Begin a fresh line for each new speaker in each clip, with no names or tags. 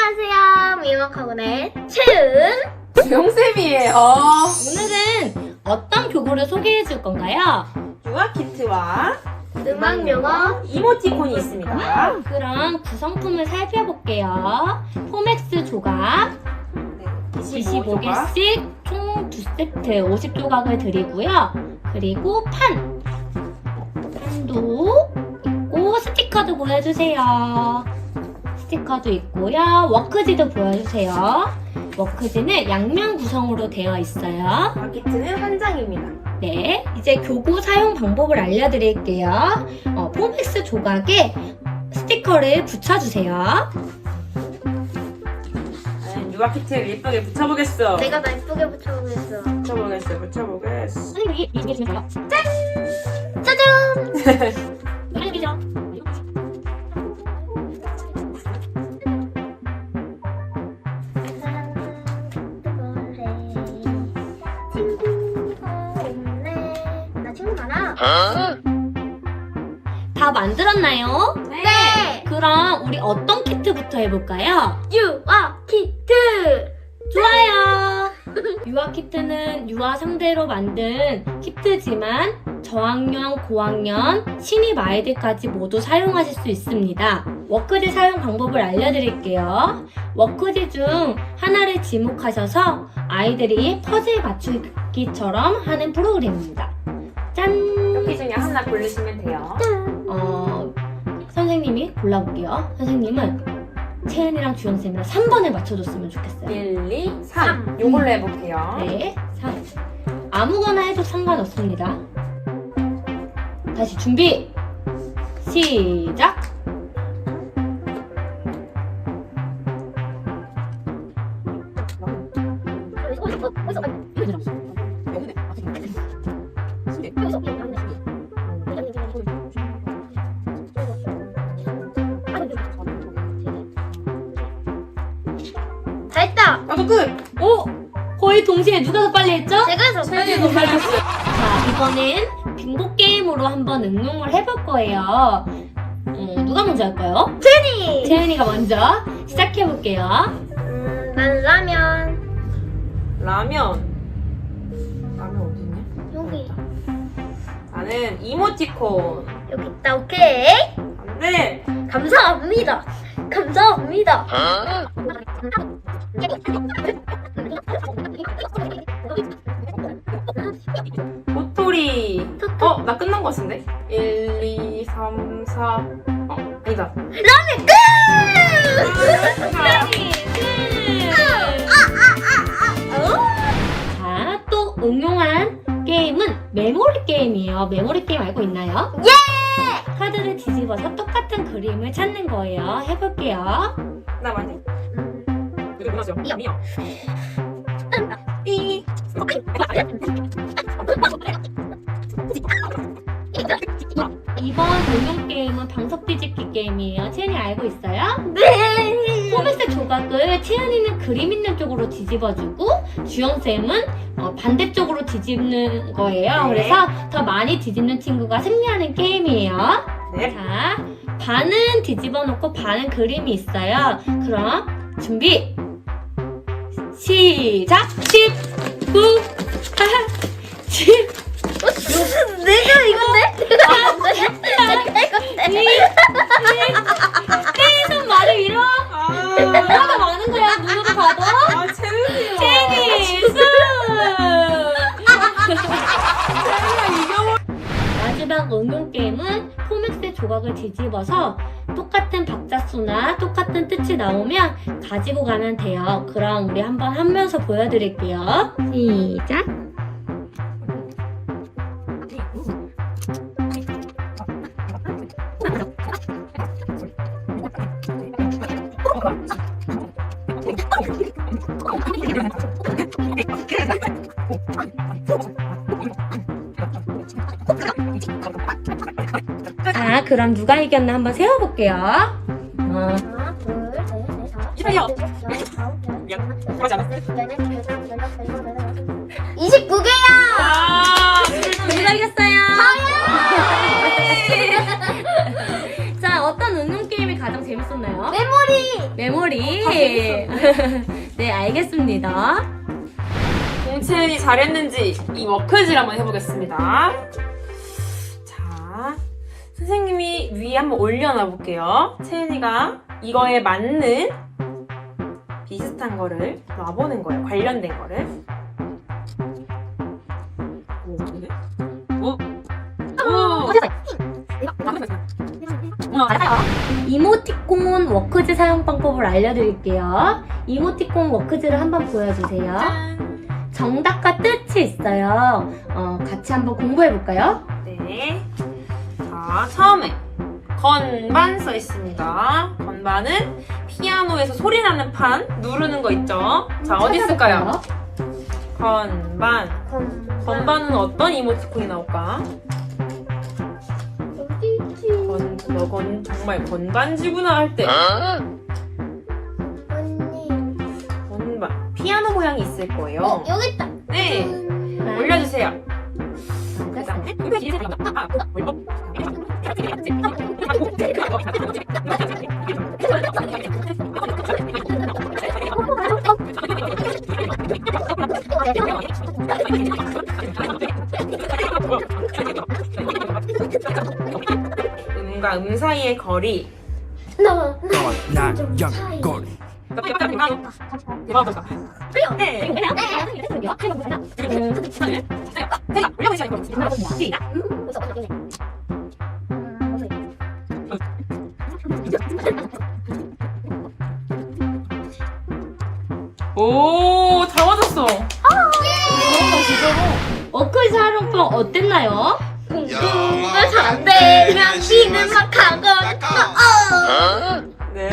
안녕하세요. 미역학원의 채은
주영쌤이에요.
오늘은 어떤 교구를 소개해 줄 건가요?
유아키트와
음악 영어
이모티콘이 있습니다.
그럼 구성품을 살펴볼게요. 포맥스 조각 25개씩 총 2세트 50조각을 드리고요. 그리고 판도 있고 스티커도 보여주세요. 스티커도 있고요. 워크지도 보여주세요. 워크지는 양면 구성으로 되어 있어요.
유아키트는 한 장입니다.
네, 이제 교구 사용 방법을 알려드릴게요. 포맥스 조각에 스티커를 붙여주세요.
유아키트를 예쁘게 붙여보겠어.
내가 더 예쁘게 붙여보겠어.
붙여보겠어.
선생님이 얘기해주세요.
짜잔!
알려드리죠.
친구가 없네. 나 친구 많아.
다 만들었나요?
네.
그럼 우리 어떤 키트부터 해볼까요?
유아 키트.
좋아요! 유아 키트는 유아 상대로 만든 키트지만 저학년, 고학년, 신입 아이들까지 모두 사용하실 수 있습니다. 워크지 사용 방법을 알려드릴게요. 워크지 중 하나를 지목하셔서 아이들이 퍼즐 맞추기처럼 하는 프로그램입니다. 짠!
여기 중에 하나 고르시면 돼요.
선생님이 골라볼게요. 선생님은 채은이랑 주영쌤이랑 3번을 맞춰줬으면 좋겠어요.
1, 2, 3. 요걸로 해볼게요.
네, 3. 아무거나 해도 상관없습니다. 다시 준비! 시작!
다 했다.
나도 끝!
오! 거의 동시에 누가 더 빨리 했죠?
제가 해서
채연이 너무 잘했어.
자, 이번엔 빙고 게임으로 한번 응용을 해볼 거예요. 누가 먼저 할까요?
채니.
채은이가 먼저 시작해볼게요.
난 라면.
라면 어디냐?
여기.
나는 이모티콘.
여기 있다. 오케이.
안 돼!
감사합니다. 감사합니다.
도토리. 나 끝난 거 같은데? 1, 2, 3, 4. 아니다.
자, 또 응용한 게임은 메모리 게임이에요. 메모리 게임 알고 있나요?
예!
카드를 뒤집어서 똑같은 그림을 찾는 거예요. 해볼게요.
나 많이. 이거 끝났어요. 미역.
이.
이번 응용 게임은 방석 뒤집기 게임이에요. 채연이 알고 있어요?
네.
포맥스 조각을 채연이는 그림 있는 쪽으로 뒤집어주고 주영쌤은 반대쪽으로 뒤집는 거예요.
네.
그래서 더 많이 뒤집는 친구가 승리하는 게임이에요.
네.
자, 반은 뒤집어 놓고 반은 그림이 있어요. 그럼 준비 시작! 10, 9, 8, 7,
내가 이건데? 내가 이건데?
계속 말을 잃어. 얼마나 많은 거야, 눈으로 봐도.
채은이요.
채연이 수! 마지막 응용 게임은 포맥스 조각을 뒤집어서 똑같은 박자수나 똑같은 뜻이 나오면 가지고 가면 돼요. 그럼 우리 한번 하면서 보여드릴게요. 시작! 자, 그럼 누가 이겼나 한번 세워볼게요.
하나, 둘, 셋, 넷, 다섯.
이상해요. 그러지 않았어?
29개야!
누가 이겼어요? 자, 어떤 응용 게임이 가장 재밌었나요?
메모리.
메모리. 네, 알겠습니다.
공채은이 잘했는지 이 워크지를 한번 해보겠습니다. 자, 선생님이 위에 한번 올려놔 볼게요. 채은이가 이거에 맞는 비슷한 거를 놔보는 거예요. 관련된 거를. 오, 근데? 오, 오.
이모티콘 워크지 사용 방법을 알려드릴게요. 이모티콘 워크지를 한번 보여주세요.
짠.
정답과 뜻이 있어요. 같이 한번 공부해볼까요?
네. 자, 처음에 건반 써 있습니다. 건반은 피아노에서 소리 나는 판 누르는 거 있죠? 자, 어디 있을까요? 건반. 건반은 어떤 이모티콘이 나올까? 너건 정말 건반지구나 할 때.
언니.
건반. 피아노 모양이 있을 거예요.
여기 있다.
네. 올려주세요. 음과 음 사이의 거리.
거리.
네. 오, 잘 맞았어.
워크지 활용법 어땠나요?
공부가 잘 되면 비는 막 가고.
네.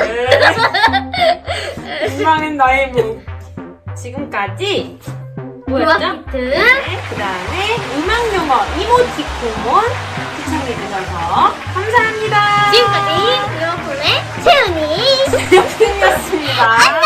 희망은 나의 무. 지금까지
뭐였죠?
그
네, 그 다음에 음악 용어 이모티콘 시청해주셔서 감사합니다.
지금까지 유어폰의 채은이.
역승이었습니다.